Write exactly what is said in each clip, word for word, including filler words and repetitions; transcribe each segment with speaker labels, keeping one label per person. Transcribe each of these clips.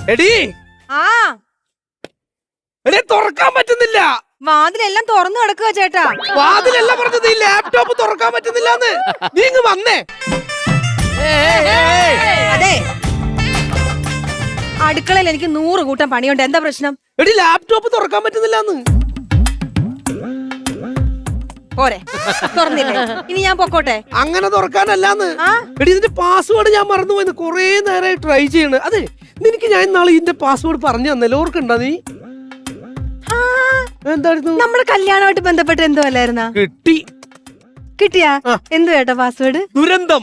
Speaker 1: എടി
Speaker 2: ആ
Speaker 1: എടേ തുറക്കാൻ പറ്റുന്നില്ല.
Speaker 2: വാതിലെല്ലാം തുറന്നു കിടക്കുക ചേട്ടാ.
Speaker 1: വാതിലല്ല പറഞ്ഞത്, ഈ ലാപ്ടോപ്പ് തുറക്കാൻ പറ്റുന്നില്ലാന്ന്. നീ ഇങ്ങ് വന്നേ.
Speaker 2: അതെ, അടുക്കളയിൽ എനിക്ക് നൂറ് കൂട്ടം പണിയുണ്ട്. എന്താ പ്രശ്നം?
Speaker 1: എടി ലാപ്ടോപ്പ് തുറക്കാൻ പറ്റുന്നില്ലാന്ന്.
Speaker 2: പോരെ, തുറന്നില്ലേ? ഇനി ഞാൻ പൊക്കോട്ടെ?
Speaker 1: അങ്ങനെ തുറക്കാനല്ലാന്ന്. എടി ഇതിന്റെ പാസ്വേഡ് ഞാൻ മറന്നുപോയിന്ന്. കൊറേ നേരമായി ട്രൈ ചെയ്യണ്. അതെ, നിനക്ക് ഞാൻ ഇന്നാളെ ഇതിന്റെ പാസ്വേഡ് പറഞ്ഞു തന്നല്ലോ, ഓർക്കണ്ടാ നീ? എന്തായിരുന്നു? നമ്മുടെ
Speaker 2: കല്യാണമായിട്ട് ബന്ധപ്പെട്ട് എന്തോ അല്ലായിരുന്ന?
Speaker 1: കിട്ടി.
Speaker 2: കിട്ടിയാ? എന്തു കേട്ടോ പാസ്വേഡ്?
Speaker 1: ദുരന്തം.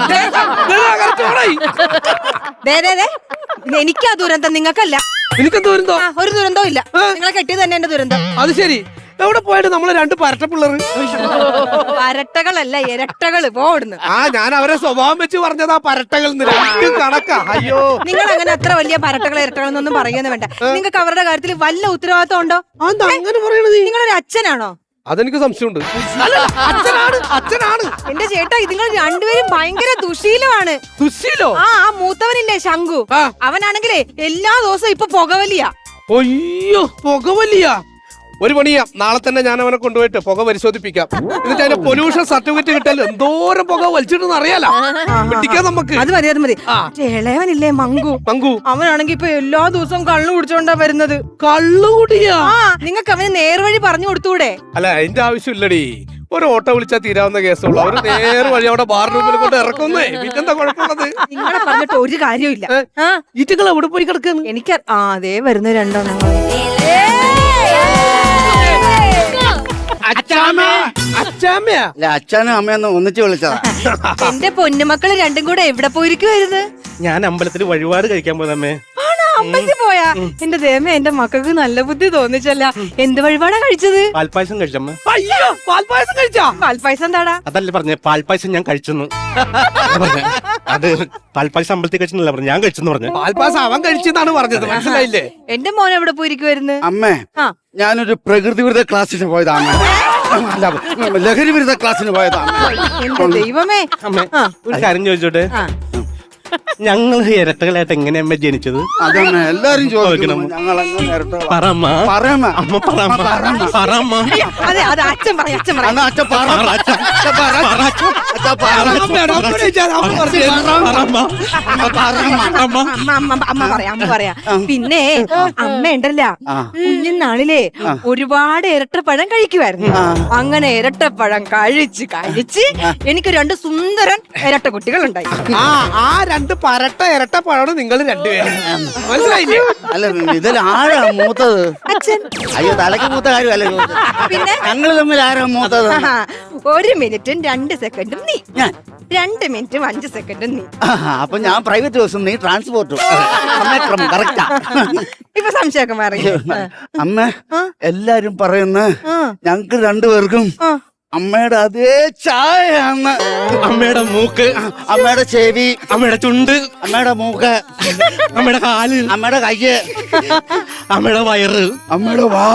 Speaker 2: എനിക്കാ ദുരന്തം, നിങ്ങൾക്കല്ല.
Speaker 1: എനിക്കെന്ത് ദുരന്തം?
Speaker 2: ഒരു ദുരന്തവും ഇല്ല. നിങ്ങളെ കെട്ടിയത് തന്നെ എന്റെ ദുരന്തം.
Speaker 1: അത് ശരി. എവിടെ പോയിട്ട് നമ്മള് രണ്ട് പരട്ട പിള്ളേർ?
Speaker 2: പരട്ടകളല്ല, ഇരട്ടകള്. പോടുന്നു.
Speaker 1: ആ, ഞാൻ അവരെ സ്വഭാവം വെച്ച് പറഞ്ഞതാ പരട്ടകൾ. കണക്കാ. അയ്യോ,
Speaker 2: നിങ്ങൾ അങ്ങനെ അത്ര വലിയ പരട്ടകൾ ഇരട്ടകളെന്നൊന്നും പറയുന്ന വേണ്ട. നിങ്ങൾക്ക് അവരുടെ കാര്യത്തിൽ വല്ല ഉത്തരവാദിത്വം ഉണ്ടോ?
Speaker 1: അങ്ങനെ പറയണത്?
Speaker 2: നിങ്ങളൊരു അച്ഛനാണോ?
Speaker 1: അതെനിക്ക് സംശയമുണ്ട്. അച്ഛനാണ്, അച്ഛനാണ്.
Speaker 2: എന്റെ ചേട്ടാ, നിങ്ങൾ രണ്ടുപേരും ഭയങ്കര ദുശീലമാണ്.
Speaker 1: ദുശീലോ?
Speaker 2: ആ ആ മൂത്തവനില്ലേ ശംഖു, അവനാണെങ്കിലേ എല്ലാ ദിവസവും ഇപ്പൊ പുകവലിയാ.
Speaker 1: അയ്യോ, പുകവലിയ. ഒരു പണിയാ, നാളെ തന്നെ ഞാൻ അവനെ കൊണ്ടുപോയിട്ട് പുക പരിശോധിപ്പിക്കാം. എന്നിട്ട് അതിന്റെ പൊല്യൂഷൻ സർട്ടിഫിക്കറ്റ് കിട്ടാൻ എന്തോരം പുക വലിച്ചിട്ടെന്ന് അറിയാലോ. പിടിക്കാം നമുക്ക്.
Speaker 2: അത് മതി, അത് മതി. ഇളയവനില്ലേ മങ്കു,
Speaker 1: മങ്കു
Speaker 2: അവനാണെങ്കി ഇപ്പൊ എല്ലാ ദിവസവും കള്ളു കുടിച്ചോണ്ടാ വരുന്നത്.
Speaker 1: കള്ളുകൂടിയാ?
Speaker 2: നിങ്ങൾക്ക് അവന് നേർവഴി പറഞ്ഞു കൊടുത്തൂടെ?
Speaker 1: അല്ല, അതിന്റെ ആവശ്യമില്ലടി. ഒരു ഓട്ടോ വിളിച്ചാൽ തീരാവുന്ന കേസുള്ളൂ. അവര് നേരെ വഴി അവിടെ ബാർ റൂമിൽ കൊണ്ട് ഇറക്കുന്നേ. പിന്നെന്താ കുഴപ്പമുള്ളത്?
Speaker 2: നിങ്ങളെ പറഞ്ഞിട്ട് ഒരു കാര്യമില്ല.
Speaker 1: ഈറ്റകൾ എവിടെ പോയി കിടക്കുന്നു?
Speaker 2: എനിക്ക് ആ അതേ വരുന്ന രണ്ടെണ്ണം.
Speaker 3: അച്ഛനും അമ്മയൊന്നും ഒന്നിച്ച് വിളിച്ചതാ.
Speaker 2: എന്റെ പൊന്നുമക്കള് രണ്ടും കൂടെ എവിടെ പോയിരിക്കുവായിരുന്നു?
Speaker 1: ഞാൻ അമ്പലത്തിൽ വഴിപാട് കഴിക്കാൻ പോയതമ്മേ.
Speaker 2: അമ്പലത്തിൽ പോയാ? എന്റെ ദേമ, എന്റെ മക്കൾക്ക് നല്ല ബുദ്ധി തോന്നിച്ചല്ല. എന്ത് വഴിപാടാ കഴിച്ചത്?
Speaker 1: പാൽപ്പായസം കഴിച്ചമ്മ. അയ്യോ, പാൽപ്പായസം കഴിച്ചാ?
Speaker 2: പാൽപ്പായസം എന്താടാ?
Speaker 1: അതല്ലേ പറഞ്ഞേ, പാൽപ്പായസം ഞാൻ കഴിച്ചെന്ന്. അത് പാൽപ്പായസം അമ്പലത്തിൽ കഴിച്ചെന്നല്ല പറഞ്ഞു, ഞാൻ കഴിച്ചെന്ന് പറഞ്ഞു. പാൽപ്പായസം അവൻ കഴിച്ചെന്നാണ് പറഞ്ഞത്, മനസ്സിലായില്ലേ?
Speaker 2: എന്റെ മോൻ എവിടെ പോയിരിക്കുവായിരുന്നു?
Speaker 3: അമ്മേ, ഞാനൊരു പ്രകൃതി വിരുദ്ധ ക്ലാസ്സിന് പോയതാണ്. ലഹരി വിരുദ്ധ ക്ലാസ്സിന് പോയതാണ്.
Speaker 2: ദൈവമേ.
Speaker 1: അമ്മേ, ഒരു കാര്യം ചോദിച്ചോട്ടെ, ഞങ്ങൾ ഇരട്ടകളായിട്ട് എങ്ങനെയമ്മ ജനിച്ചത്?
Speaker 3: അതന്നെ എല്ലാരും ചോദിക്കണം. ഞങ്ങൾ
Speaker 2: അതെ, അത് അച്ഛൻ പറയാം, അച്ഛൻ പറയാം. അമ്മ പറയാം, അമ്മ പറയാം. പിന്നെ അമ്മ ഉണ്ടല്ല, കുഞ്ഞുനാളിലെ ഒരുപാട് ഇരട്ടപ്പഴം കഴിക്കുമായിരുന്നു. അങ്ങനെ ഇരട്ടപ്പഴം കഴിച്ച് കഴിച്ച് എനിക്ക് രണ്ട് സുന്ദരൻ ഇരട്ട കുട്ടികളുണ്ടായി.
Speaker 1: ആ രണ്ട് പരട്ട ഇരട്ട പഴമാണ് നിങ്ങൾ രണ്ടുപേരും, മനസ്സിലായില്ലേ?
Speaker 3: അല്ല, ഇതിൽ ആരാ മൂത്തത്?
Speaker 2: അച്ഛൻ.
Speaker 3: അയ്യോ, തലക്ക് മൂത്ത കാര്യമല്ല.
Speaker 2: പിന്നെ
Speaker 3: ഞങ്ങൾ തമ്മിൽ ആരാ മൂത്തത്?
Speaker 2: ഒരു മിനിറ്റും രണ്ട് സെക്കൻഡും നീ,
Speaker 3: ഞാൻ
Speaker 2: രണ്ട് മിനിറ്റും അഞ്ച് സെക്കൻഡും നീ.
Speaker 3: അപ്പൊ ഞാൻ പ്രൈവറ്റ് ബസ്സും നീ ട്രാൻസ്പോർട്ടും. സമയക്രമം കറക്റ്റാ.
Speaker 2: ഇപ്പൊ സംശയമൊക്കെ മാറി.
Speaker 3: അമ്മ, എല്ലാരും പറയുന്ന ഞങ്ങക്ക് രണ്ടുപേർക്കും അമ്മയുടെ അതേ ചായയാണ്.
Speaker 1: അമ്മയുടെ മൂക്ക്,
Speaker 3: അമ്മയുടെ ചെവി,
Speaker 1: അമ്മയുടെ ചുണ്ട്,
Speaker 3: അമ്മയുടെ മൂക്ക്,
Speaker 1: അമ്മയുടെ കാല്,
Speaker 3: അമ്മയുടെ കയ്യ്,
Speaker 1: അമ്മയുടെ വയറ്,
Speaker 3: അമ്മയുടെ വാ.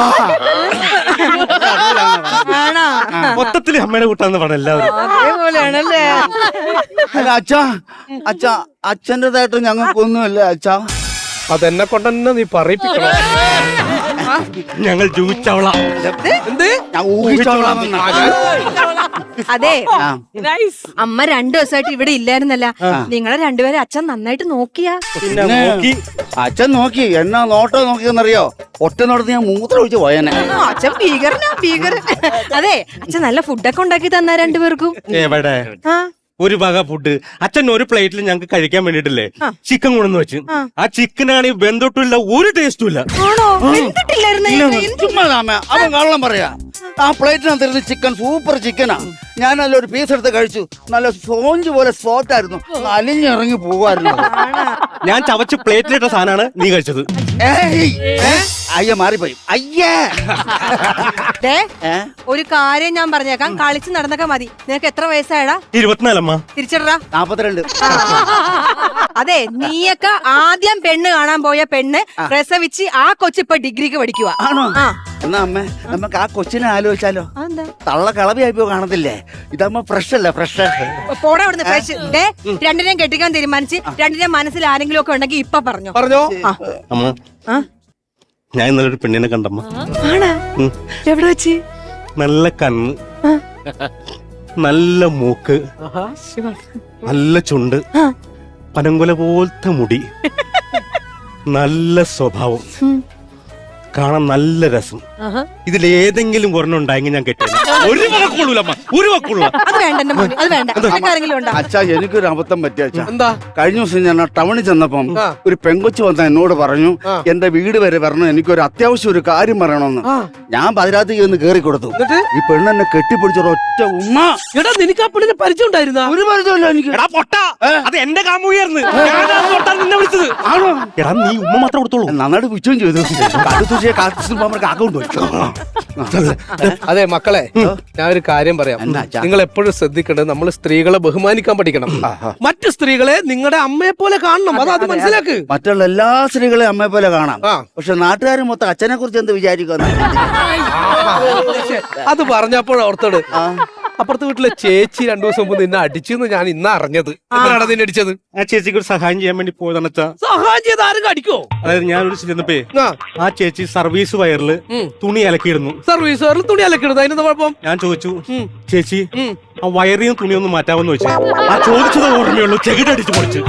Speaker 1: മൊത്തത്തില് അമ്മയുടെ കൂട്ടാന്ന് പറഞ്ഞ എല്ലാവരും
Speaker 2: അതേപോലെയാണല്ലേ?
Speaker 3: അല്ല അച്ഛാ, അച്ഛാ അച്ഛൻ്റെതായിട്ട് ഞങ്ങൾക്കൊന്നുമില്ല അച്ഛാ.
Speaker 1: അതെന്നെ കൊണ്ടെന്നെ നീ പറയിപ്പിക്കണം. ഞങ്ങൾ ജൂച്ചവള. എന്ത്?
Speaker 2: അതെ, അമ്മ രണ്ടു ദിവസമായിട്ട് ഇവിടെ ഇല്ലായിരുന്നല്ല. നിങ്ങളെ രണ്ടുപേരെ അച്ഛൻ നന്നായിട്ട് നോക്കിയാ?
Speaker 3: അച്ഛൻ നോക്കി, എന്നാ നോട്ടോ നോക്കിയെന്നറിയോ? ഒറ്റ നോട്ടത്ത് ഞാൻ മൂത്രം ഒഴിച്ച് പോയനെ.
Speaker 2: അച്ഛൻ ഭീകരനാ, ഭീകരൻ. അതെ, അച്ഛൻ നല്ല ഫുഡൊക്കെ ഉണ്ടാക്കി തന്നാ രണ്ടുപേർക്കും.
Speaker 1: എവിടെ ഒരു വക ഫുഡ്? അച്ഛൻ ഒരു പ്ലേറ്റിൽ ഞങ്ങൾക്ക് കഴിക്കാൻ വേണ്ടിട്ടില്ലേ ചിക്കൻ കൊണ്ടെന്ന് വെച്ച്, ആ ചിക്കനാണെങ്കിൽ വെന്തൊട്ടില്ല, ഒരു ടേസ്റ്റും ഇല്ല.
Speaker 3: അവൻ കള്ളം പറയാ. ആ പ്ലേറ്റിനകത്തിരുന്ന് ചിക്കൻ സൂപ്പർ ചിക്കനാ. ഞാൻ നല്ല ഒരു പീസ് എടുത്ത് കഴിച്ചു. നല്ല സ്പോഞ്ച് പോലെ സോഫ്റ്റ് ആയിരുന്നു. അലിഞ്ഞിറങ്ങി പോവായിരുന്നു.
Speaker 1: ഞാൻ ചവച്ച് പ്ലേറ്റിലിട്ട സാധനമാണ് നീ കഴിച്ചത്.
Speaker 3: അയ്യ, മാറിപ്പോയി. അയ്യേ,
Speaker 2: ഒരു കാര്യം ഞാൻ പറഞ്ഞേക്കാം, കളിച്ച് നടന്നൊക്കെ മതി. നിനക്ക് എത്ര വയസ്സായടാ?
Speaker 1: ഇരുപത്തിനാലമ്മ.
Speaker 2: തിരിച്ചടാ.
Speaker 3: നാപ്പത്തിരണ്ട്.
Speaker 2: അതെ, നീയൊക്കെ ആദ്യം പെണ്ണ് കാണാൻ പോയ പെണ്ണ് പ്രസവിച്ച് ആ കൊച്ചിപ്പോ ഡിഗ്രിക്ക് പഠിക്കുക.
Speaker 3: ആണോ? എന്നാ അമ്മ നമുക്ക് ആ കൊച്ചിനെ ആലോചിച്ചാലോ?
Speaker 2: അതെന്താ?
Speaker 3: തള്ള കളവിയായിപ്പോ കാണത്തില്ലേ? ഇതാകുമ്പോ ഫ്രഷ് അല്ല ഫ്രഷ്.
Speaker 2: പോടാ അവിടുന്ന് ഫ്രഷ്. ദേ, രണ്ടിനെയും കെട്ടിക്കാൻ തീരുമാനിച്ച് രണ്ടിനെയും മനസ്സിൽ ആരെങ്കിലും ഒക്കെ ഉണ്ടെങ്കിൽ ഇപ്പൊ പറഞ്ഞോ.
Speaker 1: പറഞ്ഞോ.
Speaker 4: അമ്മ
Speaker 2: ആ?
Speaker 4: ഞാൻ ഇന്നലെ ഒരു പെണ്ണിനെ കണ്ടമ്മ.
Speaker 2: ആണാ? എവിടെ വെച്ച്?
Speaker 4: നല്ല കണ്ണ്, നല്ല മൂക്ക്, നല്ല ചുണ്ട്, പനങ്കുല പോലത്തെ മുടി, നല്ല സ്വഭാവം, കാണാൻ നല്ല രസം. ഇതിലേതെങ്കിലും ഒരെണ്ണം ഉണ്ടായെങ്കിൽ ഞാൻ കെട്ടിയത്. ഒരു വാക്കുള്ളൂലമ്മ, ഒരു വാക്കുള്ളൂ.
Speaker 2: അത് വേണ്ട എന്റെ മോനെ, അത് വേണ്ട. ആരെങ്കിലും ഉണ്ടോ?
Speaker 3: അച്ഛാ എനിക്കൊരു അബദ്ധം പറ്റിയ അച്ഛാ.
Speaker 1: എന്താ?
Speaker 3: കഴിഞ്ഞ ദിവസം ഞാൻ ടൗണിൽ ചെന്നപ്പം ഒരു പെങ്കൊച്ചു വന്ന എന്നോട് പറഞ്ഞു എന്റെ വീട് വരെ വരണം, എനിക്കൊരു അത്യാവശ്യം ഒരു കാര്യം പറയണമെന്ന്. ഞാൻ പതിരാത്രി ഒന്ന് കേറി കൊടുത്തു. ഈ പെണ്ണെന്നെ കെട്ടിപ്പിടിച്ചൊരു ഒറ്റ ഉമ്മ.
Speaker 1: എടാ നിനക്ക് ആ പെണ്ണിനെ പരിചയം ഉണ്ടായിരുന്ന?
Speaker 3: ഒരു പരിചയമില്ല എനിക്ക്.
Speaker 4: എടാ പൊട്ട, അത് എന്റെ കാമുകയായിരുന്നു. നിന്നെ വിളിച്ചത്
Speaker 3: ആണോ?
Speaker 4: എടാ നീ ഉമ്മ മാത്രം കൊടുത്തോളൂ.
Speaker 3: നന്നായിട്ട് വിറ്റുകയും ചെയ്തു. കടുത്തുശിയെ അക്കൗണ്ട് വെച്ചു.
Speaker 1: അതെ മക്കളെ, ഞാൻ ഒരു കാര്യം പറയാം. നിങ്ങൾ എപ്പോഴും ശ്രദ്ധിക്കേണ്ടത് നമ്മൾ സ്ത്രീകളെ ബഹുമാനിക്കാൻ പഠിക്കണം. മറ്റു സ്ത്രീകളെ നിങ്ങളുടെ അമ്മയെ പോലെ കാണണം. അത് അത് മനസ്സിലാക്ക്.
Speaker 3: മറ്റുള്ള എല്ലാ സ്ത്രീകളെയും അമ്മയെ പോലെ കാണാം.
Speaker 1: ആ.
Speaker 3: പക്ഷെ നാട്ടുകാർ മൊത്തം അച്ഛനെ കുറിച്ച് എന്ത് വിചാരിക്കുന്ന?
Speaker 1: അത് പറഞ്ഞപ്പോൾ ഓർത്തോട് അപ്പുറത്തെ വീട്ടിലെ ചേച്ചി രണ്ടു ദിവസം മുമ്പ് നിന്നെ അടിച്ചെന്ന് ഞാൻ ഇന്ന് അറിഞ്ഞത്. എന്തിനാണ് നിന്നെ അടിച്ചത്?
Speaker 4: ആ ചേച്ചിക്ക് ഒരു സഹായം ചെയ്യാൻ വേണ്ടി പോയതാണ് അച്ഛാ.
Speaker 1: സഹായം ചെയ്ത് ആരും അടിക്കോ?
Speaker 4: അതായത് ഞാൻ ഒരു ചെന്നപ്പേ
Speaker 1: ആ
Speaker 4: ആ ചേച്ചി സർവീസ് വയറില് തുണി അലക്കിയിടുന്നു.
Speaker 1: സർവീസുകാരിൽ തുണി അലക്കിടുന്നത് അതിനെന്താ കുഴപ്പം?
Speaker 4: ഞാൻ ചോദിച്ചു, ചേച്ചി ആ വയറിൽ നിന്ന് തുണിയൊന്നും മാറ്റാമെന്ന് ചോദിച്ചു. ആ ചോദിച്ചത് ഓർമ്മയുള്ളൂ, ചെകിടടിച്ചു പൊളിച്ചു.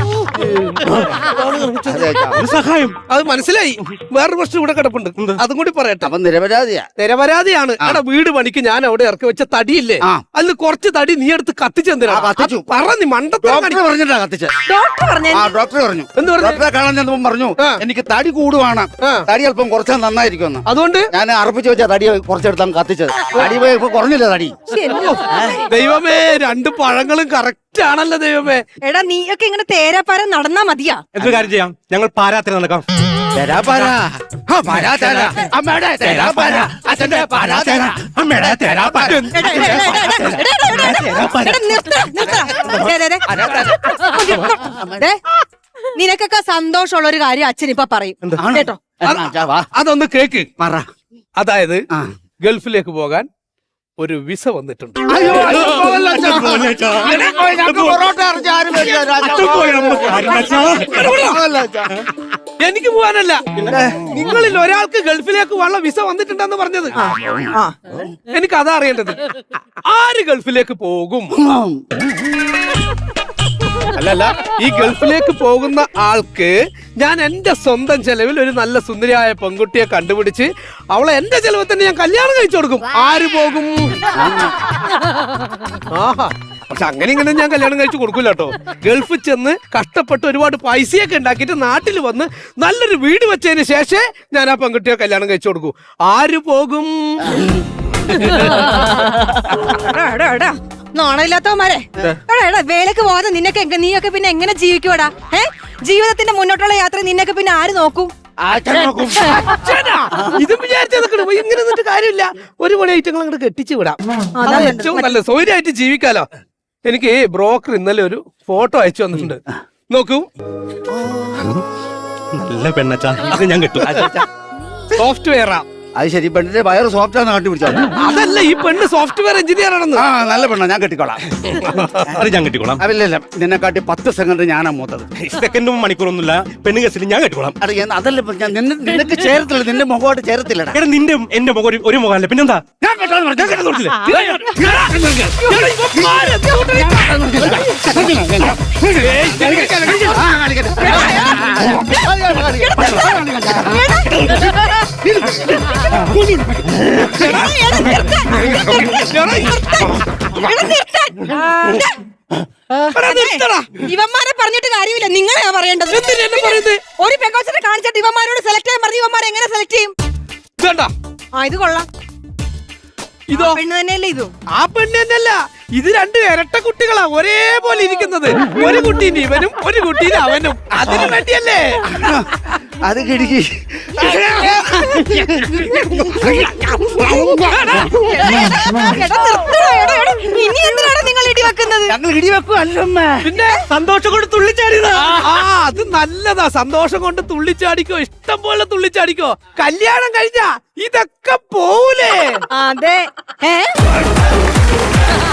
Speaker 4: ഒരു സഹായം.
Speaker 1: അത് മനസ്സിലായി. വേറൊരു പ്രശ്നം ഇവിടെ കിടപ്പുണ്ട്, അതും കൂടി പറയട്ടെ.
Speaker 3: അവൻ നിരപരാധിയാ.
Speaker 1: നിരപരാധിയാണ്. എടാ വീട് പണിക്ക് ഞാൻ അവിടെ ഇറക്കി വെച്ച തടിയില്ലേ, അതിൽ കുറച്ച് തടി നീ എടുത്ത് കത്തിച്ചെന്തിനാ? പറ നീ മണ്ടത്തരം
Speaker 3: ഡോക്ടർ പറഞ്ഞിട്ടാ കത്തിച്ച.
Speaker 2: ഡോക്ടർ പറഞ്ഞു.
Speaker 3: ആ ഡോക്ടർ പറഞ്ഞു.
Speaker 1: എന്ത് പറഞ്ഞു?
Speaker 3: ഡോക്ടറെ കാണാൻ ചെന്നപ്പം പറഞ്ഞു എനിക്ക് തടി കൂടുവാണ്, തടി അല്പം കുറച്ചാൽ നന്നായിരിക്കും.
Speaker 1: അതുകൊണ്ട്
Speaker 3: ഞാൻ അർപ്പിച്ച് വെച്ച തടി കുറച്ചെടുത്താണ് കത്തിച്ചത്. തടി പോയി ഇപ്പൊ കുറഞ്ഞില്ല തടി.
Speaker 1: ദൈവമേ, രണ്ട് പഴങ്ങളും കറക്റ്റ് ആണല്ലോ ദൈവമേ.
Speaker 2: എടാ നീയൊക്കെ ഇങ്ങനെ തേരാപ്പാരം നടന്നാ മതിയാ?
Speaker 4: എന്തൊരു കാര്യം ചെയ്യാം, ഞങ്ങൾ പാരാത്തിന് നടക്കാം.
Speaker 3: തെരാപ്പാര, ആ, പരാതര, അമ്മയുടെ തെരാപ്പാര, അച്ഛന്റെ പരാതര, അമ്മയുടെ തെരാപ്പാര.
Speaker 2: എടാ, എടാ, എടാ, എടാ, എടാ, എടാ, എടാ, എടാ, നിർത്തടാ, നിർത്തടാ. ദേ, ദേ, ദേ. ദേ, നിനക്കൊക്കെ സന്തോഷമുള്ള ഒരു കാര്യം അച്ഛൻ ഇപ്പൊ പറയും കേട്ടോ.
Speaker 3: എന്നാ, അച്ഛാ, വാ.
Speaker 1: അതൊന്ന് കേക്ക്.
Speaker 3: പറ.
Speaker 1: അതായത്
Speaker 3: ആ.
Speaker 1: ഗൾഫിലേക്ക് പോകാൻ ഒരു വിസ വന്നിട്ടുണ്ട്.
Speaker 3: അയ്യോ, അയ്യോ, പോകല്ലേ, അച്ഛാ. ഞങ്ങൾക്ക് പൊറോട്ട ഇറച്ചി ആരും മേടിക്കാൻ രാജാ. പോകല്ലേ, അച്ഛാ.
Speaker 1: എനിക്ക് പോകാനല്ല, നിങ്ങളിൽ ഒരാൾക്ക് ഗൾഫിലേക്ക് ഉള്ള വിസ വന്നിട്ടുണ്ടെന്ന് പറഞ്ഞത്.
Speaker 2: ആ,
Speaker 1: എനിക്ക് അതാ അറിയേണ്ടത്. ആര് ഗൾഫിലേക്ക് പോകും? അല്ലല്ല, ഈ ഗൾഫിലേക്ക് പോകുന്ന ആൾക്ക് ഞാൻ എന്റെ സ്വന്തം ചെലവിൽ ഒരു നല്ല സുന്ദരിയായ പെൺകുട്ടിയെ കണ്ടുപിടിച്ച് അവളെ എന്റെ ചെലവിൽ തന്നെ ഞാൻ കല്യാണം കഴിച്ചു കൊടുക്കും. ആര് പോകും? ആഹാ, പക്ഷെ അങ്ങനെ ഇങ്ങനെ ഞാൻ കല്യാണം കഴിച്ചു കൊടുക്കൂല കേട്ടോ. ഗൾഫിൽ ചെന്ന് കഷ്ടപ്പെട്ട് ഒരുപാട് പൈസയൊക്കെ ഉണ്ടാക്കിയിട്ട് നാട്ടിൽ വന്ന് നല്ലൊരു വീട് വെച്ചതിന് ശേഷമേ ഞാൻ ആ പെൺകുട്ടിയെ കല്യാണം കഴിച്ചു കൊടുക്കൂ. ആര് പോകും?
Speaker 2: എടാ, എടാ, എടാ, നാണമില്ലാത്തവന്മാരെ. എടാ, എടാ, വേലക്ക് പോകാതെ നിന്നൊക്കെ എങ്ക- നീയൊക്കെ പിന്നെ എങ്ങനെ ജീവിക്കൂടാ? ഏ ജീവിതത്തിന്റെ മുന്നോട്ടുള്ള യാത്ര നിന്നൊക്കെ പിന്നെ ആര് നോക്കും?
Speaker 1: അച്ഛനാ, ഇതും വിചാരിച്ചാ നിക്കണ്. ഇങ്ങനെ നിന്നിട്ട് കാര്യമില്ല. ഒരു പണി ഐറ്റങ്ങൾ അങ്ങോട്ട് കെട്ടിച്ചു വിടാം. അതാണ് ഏറ്റവും നല്ല സൗകര്യമായിട്ട് ജീവിക്കാലോ. എനിക്ക് ബ്രോക്കർ ഇന്നലെ ഒരു ഫോട്ടോ അയച്ചു വന്നിട്ടുണ്ട്, നോക്കൂ.
Speaker 4: നല്ല പെണ്ണച്ചാ, അത് ഞാൻ കിട്ടും.
Speaker 1: സോഫ്റ്റ്വെയറാ.
Speaker 3: അത് ശരി, പെണ്ണിന്റെ വയറ് സോഫ്റ്റാന്ന് കണ്ടുപിടിച്ചോ?
Speaker 1: അതല്ല, ഈ പെണ്ണ് സോഫ്റ്റ്വെയർ എഞ്ചിനീയർ ആണെന്ന്.
Speaker 3: ആ, നല്ല പെണ്ണ, ഞാൻ കെട്ടിക്കോളാം.
Speaker 4: അത് ഞാൻ കെട്ടിക്കോളാം.
Speaker 3: അതില്ല, നിന്നെ കാട്ടി പത്ത് സെക്കൻഡ് ഞാനാ മൂത്തത്.
Speaker 4: സെക്കൻഡും മണിക്കൂറൊന്നുമില്ല, പെണ്ണ് കേസിൽ ഞാൻ കെട്ടിക്കോളാം.
Speaker 3: അത് ഞാൻ- അതല്ല ഇപ്പൊ ഞാൻ നിന്നെ- നിനക്ക് ചേരത്തില്ല, നിന്റെ മുഖമായിട്ട് ചേരത്തില്ലടാ.
Speaker 4: എടാ നിന്റെ എന്റെ മുഖം ഒരു- ഒരു മുഖമല്ല, പിന്നെന്താ?
Speaker 3: ഞാൻ കെട്ടാന്ന് പറഞ്ഞു, ഞാൻ കെട്ടാന്ന് പറഞ്ഞില്ലേ? ആ, കാണിക്കട്ടെ.
Speaker 2: ഇവന്മാരെ പറഞ്ഞിട്ട് കാര്യമില്ല, നിങ്ങളെയാ പറയേണ്ടത്. ഒരു പെങ്കോച്ചിനെ കാണിച്ചിട്ട് ഇവന്മാരോട് സെലക്ട് ചെയ്യാൻ പറഞ്ഞു. ഇവന്മാരെ എങ്ങനെ സെലക്ട് ചെയ്യും?
Speaker 1: ഇതേണ്ട,
Speaker 2: ആ, ഇത് കൊള്ളാം.
Speaker 1: ഇതോ
Speaker 2: പെണ്ണ് തന്നെയല്ലേ ഇതും?
Speaker 1: ആ പെണ്ണ് തന്നെയല്ല, ഇത് രണ്ട് ഇരട്ട കുട്ടികളാ ഒരേപോലെ ഇരിക്കുന്നത്. ഒരു കുട്ടീന് ഇവനും ഒരു കുട്ടീന് അവനും. അതിനു വേണ്ടിയല്ലേ?
Speaker 3: അത് കിടക്കി.
Speaker 2: എടാ, നിർത്തടാ, എടാ, എടാ. ഇനി എന്തിനാണ് നിങ്ങൾ ഇടി വെക്കുന്നത്?
Speaker 3: ഞങ്ങൾ ഇടി വെക്കും അല്ലമ്മ.
Speaker 1: പിന്നെ
Speaker 4: സന്തോഷം കൊണ്ട് തുള്ളിച്ചാടിയതാ.
Speaker 1: ആ അത് നല്ലതാ. സന്തോഷം കൊണ്ട് തുള്ളിച്ചാടിക്കോ, ഇഷ്ടം പോലെ തുള്ളിച്ചാടിക്കോ. കല്യാണം കഴിഞ്ഞാ ഇതൊക്കെ പോവൂലേ?
Speaker 2: അതെ. ഏ